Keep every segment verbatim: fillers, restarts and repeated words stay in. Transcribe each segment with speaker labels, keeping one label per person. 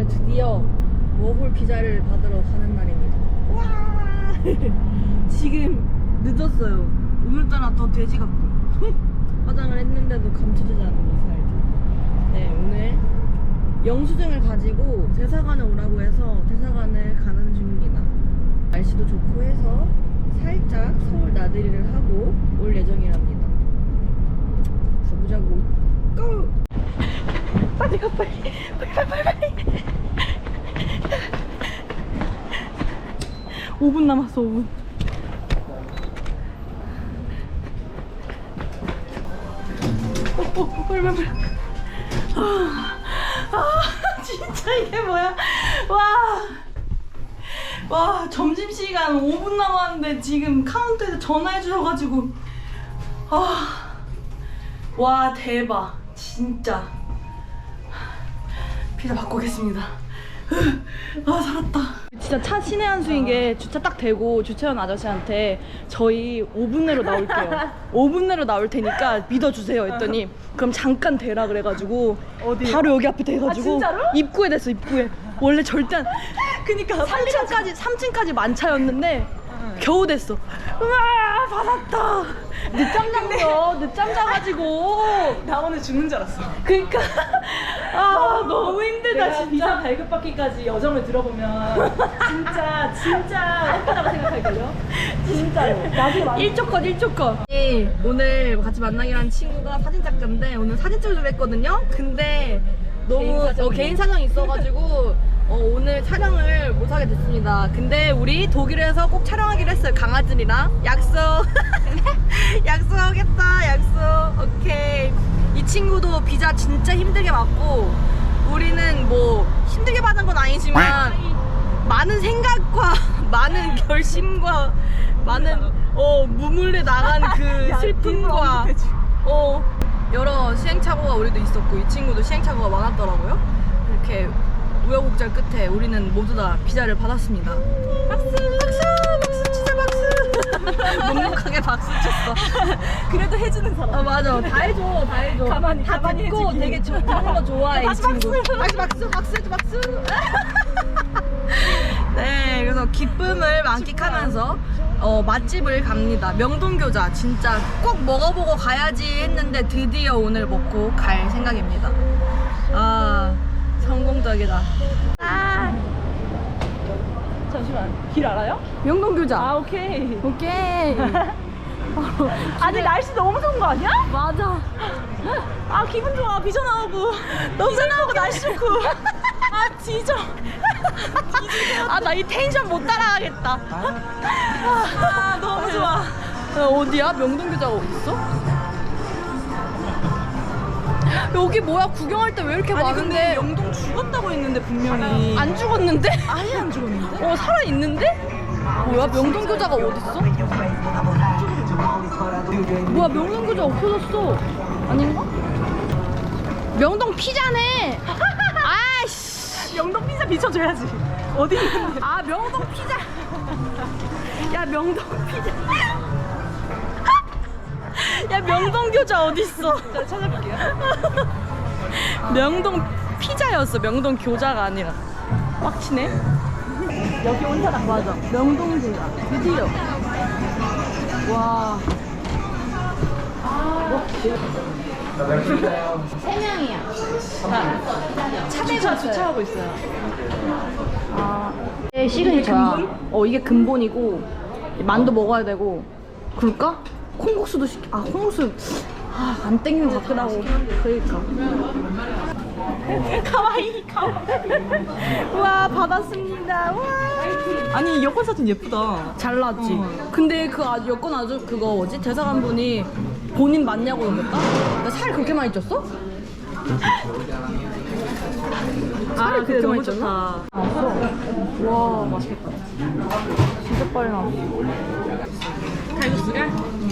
Speaker 1: 오늘 드디어 워홀 피자를 받으러 가는 날입니다. 와! 지금 늦었어요. 오늘따라 더 돼지 같고 화장을 했는데도 감춰지지 않는 이 살들. 네, 오늘 영수증을 가지고 대사관에 오라고 해서 대사관을 가는 중입니다. 날씨도 좋고 해서 살짝 서울 나들이를 하고 올 예정이랍니다. 가보자고. 고! 빨리 가 빨리 빨리 빨리 빨리. 오 분 남았어. 오 분. 오, 오, 빨리 빨리 빨리. 아, 아 진짜 이게 뭐야. 와, 와 점심시간 오 분 남았는데 지금 카운터에서 전화해 주셔가지고 아, 와 대박 진짜. 피자 받고 오겠습니다. 아 살았다. 진짜 차 신의 한 수인 게 주차 딱 대고 주차원 아저씨한테 저희 오 분 내로 나올게요. 오 분 내로 나올 테니까 믿어주세요 했더니 그럼 잠깐 대라 그래가지고 어디? 바로 여기 앞에 대가지고 아, 입구에 됐어. 입구에. 원래 절대 안. 그니까 삼 층까지 삼 층까지 만차였는데 응. 겨우 됐어. 우와 받았다. 늦잠 잤어. 늦잠 자가지고
Speaker 2: 나 오늘 죽는 줄 알았어.
Speaker 1: 그니까 아 너무 힘들다 진짜.
Speaker 2: 비자 발급받기까지 여정을 들어보면 진짜 진짜 예쁘다고 생각할걸요? 진짜로. 나중에 많이
Speaker 1: 일조 컷 일조 컷. 오늘 같이 만나기로 한 친구가 사진작가인데 오늘 사진 찍으려고 했거든요. 근데 너무 개인 사정이, 어, 개인 사정이 있어가지고 어, 오늘 촬영을 못하게 됐습니다. 근데 우리 독일에서 꼭 촬영하기로 했어요. 강아지랑 약속. 약속하겠다. 약속. 오케이. 이 친구도 비자 진짜 힘들게 받고 우리는 뭐 힘들게 받은 건 아니지만 많은 생각과 많은 결심과 많은 어 무물에 나간 그 슬픔과 어 여러 시행착오가 우리도 있었고 이 친구도 시행착오가 많았더라고요. 이렇게 우여곡절 끝에 우리는 모두 다 비자를 받았습니다. 박수! 박수! 박수 치자 박수! 묵묵하게 박수 쳤어.
Speaker 2: 그래도 해주는 사람.
Speaker 1: 아 맞아. 다 해줘. 다 해줘.
Speaker 2: 가만히
Speaker 1: 다
Speaker 2: 가만히
Speaker 1: 듣고
Speaker 2: 해주기.
Speaker 1: 되게 저, 그런 거 좋아해 이
Speaker 2: 다시
Speaker 1: 친구.
Speaker 2: 박수.
Speaker 1: 다시 박수 박수 해줘 박수. 네, 그래서 기쁨을 만끽하면서 어, 맛집을 갑니다. 명동교자 진짜 꼭 먹어보고 가야지 했는데 드디어 오늘 먹고 갈 생각입니다. 아 성공적이다. 아
Speaker 2: 잠시만. 길 알아요?
Speaker 1: 명동교자.
Speaker 2: 아 오케이.
Speaker 1: 오케이.
Speaker 2: 아니 날씨 너무 좋은 거 아니야?
Speaker 1: 맞아.
Speaker 2: 아 기분 좋아. 비전 나오고 비전 나오고 날씨 좋고. 아 뒤져.
Speaker 1: 아 나 이 텐션 못 따라가겠다.
Speaker 2: 아 너무 좋아.
Speaker 1: 야, 어디야? 명동교자가 어딨어? 여기 뭐야? 구경할 때 왜 이렇게
Speaker 2: 아니
Speaker 1: 많은데?
Speaker 2: 근데 영동 죽었다고 했는데 분명히
Speaker 1: 안 죽었는데?
Speaker 2: 아예 안 죽었는데?
Speaker 1: 어 살아있는데? 뭐야? 명동교자가 어딨어? 뭐야 명동교자 없어졌어. 아닌가? 명동 피자네. 아이씨.
Speaker 2: 영동 피자 비춰줘야지. 어디 있는데?
Speaker 1: 아 명동 피자. 야 명동 피자. 야 명동 교자 어딨어?
Speaker 2: 자 찾아볼게요.
Speaker 1: 명동 피자였어. 명동 교자가 아니라. 빡치네.
Speaker 2: 여기 온 사람
Speaker 1: 맞아. 명동 교자. 드디어. 와. 세 명이야.
Speaker 2: 주차 주차하고 있어요.
Speaker 1: 아, 이게 시그니처야. 어 이게 근본이고 만두 먹어야 되고. 그럴까? 콩국수도 시켜. 아 콩국수 아, 안 땡기는 것 같기도 하고. 그러니까.
Speaker 2: 가와이 가와이.
Speaker 1: 와 받았습니다. 와.
Speaker 2: 아니 여권 사진 예쁘다.
Speaker 1: 잘 나왔지. 근데 그 아, 여권 아주 그거 뭐지 대사관 분이 본인 맞냐고 그랬다. 나 살 그렇게 많이 쪘어? 살이 그렇게 많이 쪘나? 나왔어. 와 맛있겠다. 진짜 빨리 나왔어.
Speaker 2: 칼국수가?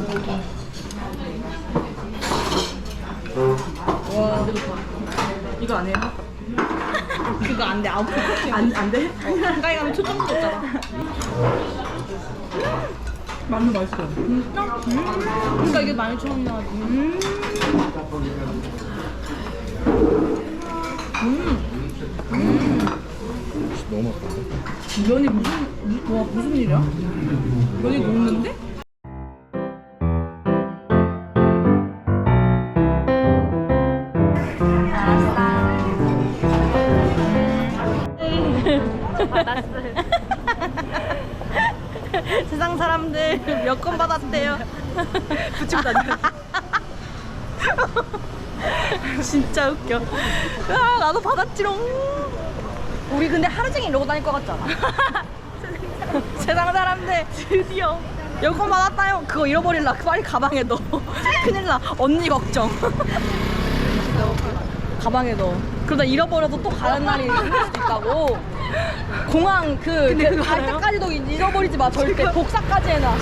Speaker 1: 와 근데 좋다.
Speaker 2: 이거 안 해요?
Speaker 1: 그거 안 돼. 아홉
Speaker 2: 안, 안 돼?
Speaker 1: 가까이 가면 초점 줬잖아.
Speaker 2: 만두 맛있어.
Speaker 1: 진짜? 음. 그러니까 이게 만 이천 원이나 하지. 음.
Speaker 3: 너무 맛있다.
Speaker 2: 면이 무슨 와 무슨 일이야? 면이 녹는데?
Speaker 1: 세상 사람들 몇 건 받았대요.
Speaker 2: 붙이고 다녀.
Speaker 1: 진짜 웃겨. 아, 나도 받았지롱. 우리 근데 하루 종일 이러고 다닐 것 같잖아. 세상 사람들
Speaker 2: 드디어.
Speaker 1: 여권 받았다요. 그거 잃어버릴라. 빨리 가방에 넣어. 큰일 나. 언니 걱정. 가방에 넣어. 그러다 잃어버려서 또 가는 날이 있을 수도 있다고. 공항 그,
Speaker 2: 근데
Speaker 1: 그
Speaker 2: 그거
Speaker 1: 갈
Speaker 2: 알아요?
Speaker 1: 때까지도 잃어버리지 마. 절대. 복사까지 해놔.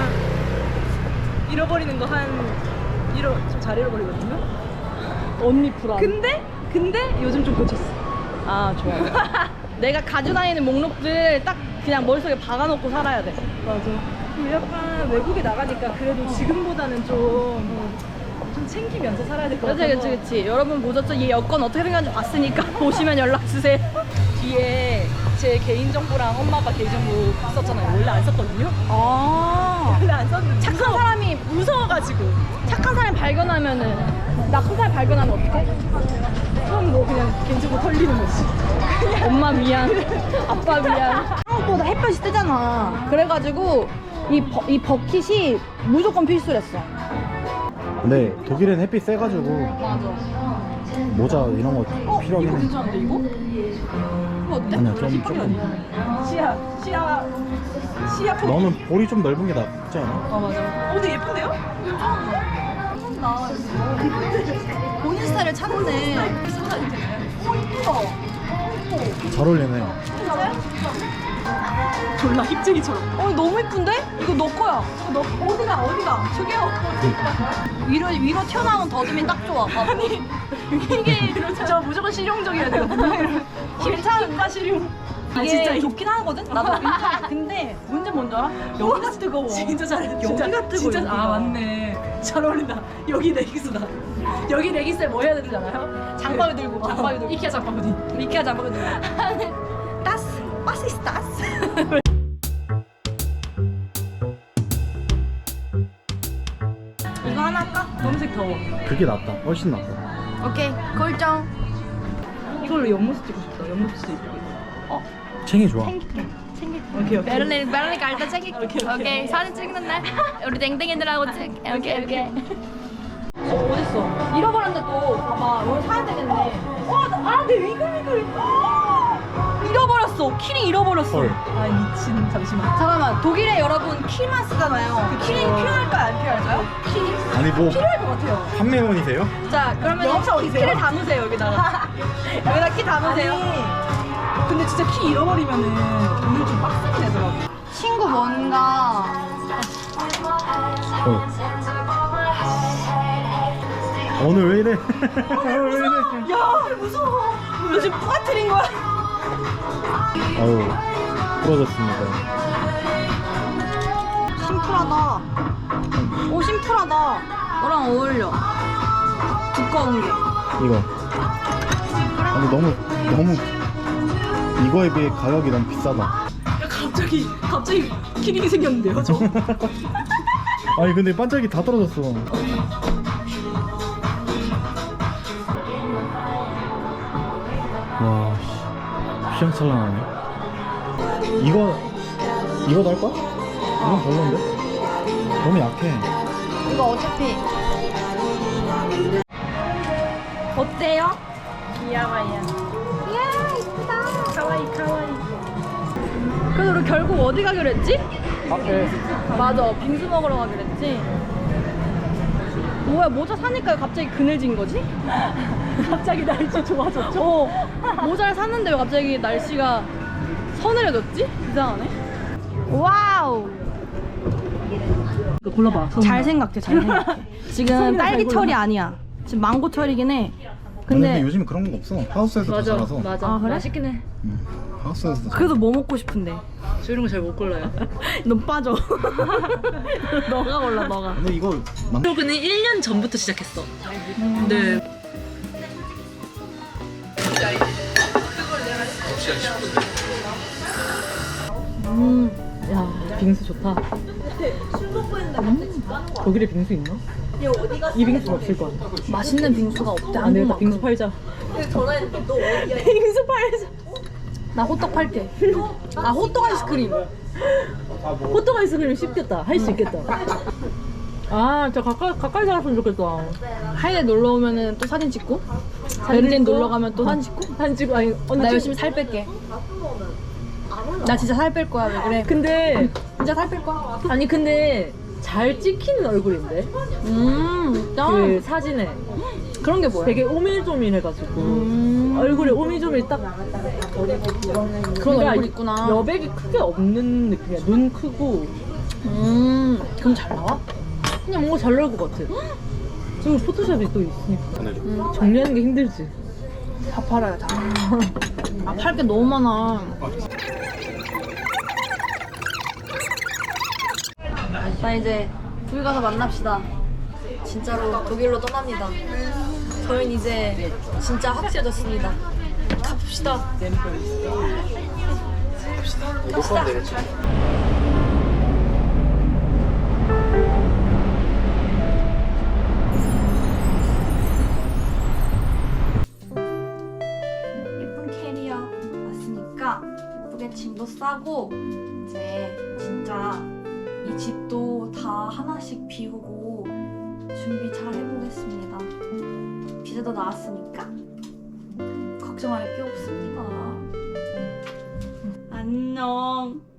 Speaker 2: 잃어버리는 거 한 잃어 좀 잘 잃어버리거든요.
Speaker 1: 언니 불안.
Speaker 2: 근데 근데 요즘 좀 고쳤어.
Speaker 1: 아 좋아요. 내가 가지고 다니는 목록들 딱 그냥 머릿속에 박아놓고 살아야 돼.
Speaker 2: 맞아. 그리고 약간 외국에 나가니까 그래도 지금보다는 좀, 좀 챙기면서 살아야 될 것
Speaker 1: 그치
Speaker 2: 같아서.
Speaker 1: 그치 그치. 여러분 보셨죠? 얘 여권 어떻게 생겼는지 봤으니까 보시면 연락주세요.
Speaker 2: 뒤에 제 개인정보랑 엄마 아빠 개인정보 썼잖아요. 원래 안 썼거든요.
Speaker 1: 아
Speaker 2: 원래 안 썼는데
Speaker 1: 착한
Speaker 2: 무서워-
Speaker 1: 사람이
Speaker 2: 무서워가지고
Speaker 1: 착한 사람 발견하면은 나쁜 사람 발견하면 어떡해?
Speaker 2: 그럼 뭐 그냥 개인정보 털리는 거지.
Speaker 1: 엄마 미안, 아빠 미안. 한국보다 햇볕이 뜨잖아. 그래가지고 이, 버, 이 버킷이 무조건 필수랬어.
Speaker 3: 근데 독일은 햇빛 세가지고
Speaker 1: 맞아.
Speaker 3: 모자 이런 거
Speaker 1: 어?
Speaker 3: 필요하긴
Speaker 1: 이거
Speaker 3: 해.
Speaker 1: 괜찮은데 이거? 이거 어때?
Speaker 3: 아니야 좀 조금.
Speaker 2: 시야 시야 시야 포.
Speaker 3: 너는 볼이 좀 넓은 게 낫지 않아?
Speaker 1: 아 맞아.
Speaker 2: 어, 근데 예쁜데요?
Speaker 1: 나 본인 스타일을 찾네. 어 이쁘다.
Speaker 3: 잘 어울리네.
Speaker 2: 졸라 힙쟁이처럼.
Speaker 1: 어 너무 이쁜데? 이거 너 거야.
Speaker 2: 너 어디가 어디가? 저기요.
Speaker 1: 위로 위로 튀어나온 더듬이 딱 좋아. 아니
Speaker 2: 이게 저 무조건 실용적이어야 되거든요.
Speaker 1: 괜찮은가
Speaker 2: 실용.
Speaker 1: 이게
Speaker 2: 아, 진짜
Speaker 1: 좋긴 하거든. 나도 괜찮아. 근데 문제 뭔지 알아? 여기가 뜨거워.
Speaker 2: 진짜 잘해.
Speaker 1: 여기가 뜨거워.
Speaker 2: 진짜,
Speaker 1: 여기가.
Speaker 2: 아 맞네. 잘 어울린다. 여기 레깅스다. 여기 레깅스에 뭐 해야 되는지 알아요?
Speaker 1: 장바위 들고, 장바위 들고.
Speaker 2: 이케아 장바구니.
Speaker 1: 이케아 잡아거든. 따스, 빠시스 따스. 이거 하나 할까?
Speaker 2: 검색 더워.
Speaker 3: 그게 낫다. 훨씬 낫다.
Speaker 1: 오케이, 골정.
Speaker 2: 이걸로 옆모습 찍고 싶다. 옆모습도 이쁘게.
Speaker 1: 어,
Speaker 3: 챙이 좋아.
Speaker 1: 챙길게. 챙길게.
Speaker 2: 오케이 오케이.
Speaker 1: 베를린, 베를린 갈 때 챙길게.
Speaker 2: 오케이, 오케이.
Speaker 1: 오케이, 사진 찍는 날 우리 댕댕이들하고 찍. 오케이, 오케이. 어, 어딨어? 잃어버렸는데 또 봐봐. 오늘 사야 되겠네. 어, 아, 내 위글위글. 잃어버렸어. 키링 잃어버렸어.
Speaker 3: 헐.
Speaker 2: 아 미친. 잠시만.
Speaker 1: 잠깐만, 독일에 여러분 키만 쓰잖아요. 그 키링 필요할까요? 안 필요할까요? 키링?
Speaker 3: 아니 뭐
Speaker 1: 필요할 것 같아요.
Speaker 3: 판매원이세요?
Speaker 1: 자, 그러면
Speaker 2: 영차
Speaker 1: 키-
Speaker 2: 어디세요?
Speaker 1: 키를 담으세요, 여기다가. 여기다 키 담으세요.
Speaker 2: 아니, 근데 진짜 키 잃어버리면은 돈을 좀 빡세게 내더라고.
Speaker 1: 친구 뭔가.
Speaker 3: 어. 오늘 왜 이래? 오늘 왜 이래?
Speaker 1: 야, 무서워. 너 지금 부가트린 거야?
Speaker 3: 아유 부러졌습니다.
Speaker 1: 심플하다. 오, 심플하다. 너랑 어울려. 두꺼운 게.
Speaker 3: 이거. 아니 너무 너무 이거에 비해 가격이 너무 비싸다.
Speaker 2: 야, 갑자기 갑자기 키링이 생겼는데요, 저?
Speaker 3: 아니 근데 반짝이 다 떨어졌어. 와, 씨. 휘황찬란하네. 이거 이거 날 거야? 이건 별론데? 너무 약해.
Speaker 1: 이거 어차피. 어때요?
Speaker 2: 귀여워요.
Speaker 1: 이야, 이쁘다.
Speaker 2: 카와이 카와이.
Speaker 1: 그래서 우리 결국 어디 가기로 했지?
Speaker 3: 앞에
Speaker 1: 맞아, 빙수 먹으러 가기로 했지. 뭐야, 모자 사니까 갑자기 그늘진 거지?
Speaker 2: 갑자기 날씨 좋아졌죠?
Speaker 1: 어, 모자를 샀는데 왜 갑자기 날씨가 서늘해졌지? 이상하네. 와우.
Speaker 2: 이거 골라봐.
Speaker 1: 잘 생각해, 잘 생각해. 지금
Speaker 2: 손이나 잘
Speaker 1: 딸기철이
Speaker 2: 골라.
Speaker 1: 아니야. 지금 망고철이긴 해.
Speaker 3: 근데,
Speaker 1: 근데
Speaker 3: 요즘에 그런 거 없어. 하우스에서 다 자라서.
Speaker 2: 맞아.
Speaker 1: 아, 그래?
Speaker 2: 맛있긴 해.
Speaker 3: 응. 하우스에서 다
Speaker 1: 그래도 뭐 먹고 싶은데?
Speaker 2: 저 이런 거 잘 못 골라요.
Speaker 1: 넌 빠져. 너가 골라, 너가.
Speaker 3: 근데 이거 만...
Speaker 2: 블로그는 일 년 전부터 시작했어. 네. 음, 야 빙수 좋다. 음, 독일에 빙수 있나? 이 빙수는 없을 거야.
Speaker 1: 맛있는 빙수가 없대.
Speaker 2: 안 되겠다. 빙수 팔자.
Speaker 1: 전화했는데 너 어디야?
Speaker 2: 빙수 팔자.
Speaker 1: 나 호떡 팔게. 아 호떡 아이스크림.
Speaker 2: 호떡 아이스크림 쉽겠다. 할 수 있겠다. 아, 저 가까이 가까이 살았으면 좋겠다.
Speaker 1: 하이에 놀러 오면은 또 사진 찍고
Speaker 2: 베를린
Speaker 1: 베를린
Speaker 2: 거?
Speaker 1: 놀러 가면 또 사진 찍고.
Speaker 2: 사진 찍고 아니 언니
Speaker 1: 나
Speaker 2: 찍-
Speaker 1: 열심히 살 뺄게. 나 진짜 살 뺄 거야. 왜 그래?
Speaker 2: 근데
Speaker 1: 진짜 살 뺄 거야.
Speaker 2: 아니 근데 잘 찍히는 얼굴인데
Speaker 1: 음, 나
Speaker 2: 그 사진에
Speaker 1: 그런 게 뭐야?
Speaker 2: 되게 오밀조밀해가지고
Speaker 1: 음.
Speaker 2: 얼굴에 오밀조밀 딱
Speaker 1: 그런 얼굴 있구나.
Speaker 2: 여백이 크게 없는 느낌이야. 눈 크고
Speaker 1: 음, 그럼 잘 나와?
Speaker 2: 그냥 뭔가 잘 나올 것 같아. 그리고 포토샵이 또 있으니까
Speaker 1: 음,
Speaker 2: 정리하는 게 힘들지.
Speaker 1: 다 팔아요 다. 아, 팔 게 너무 많아. 나 이제 독일 가서 만납시다. 진짜로 독일로 떠납니다. 저희는 이제 진짜 확실해졌습니다. 갑시다. 갑시다. 예쁜 캐리어 왔으니까 예쁘게 짐도 싸고 이제 진짜 이 집도 다 하나씩 비우고 준비 잘 해보겠습니다. 비자도 나왔으니까 걱정할 게 없습니다. 안녕.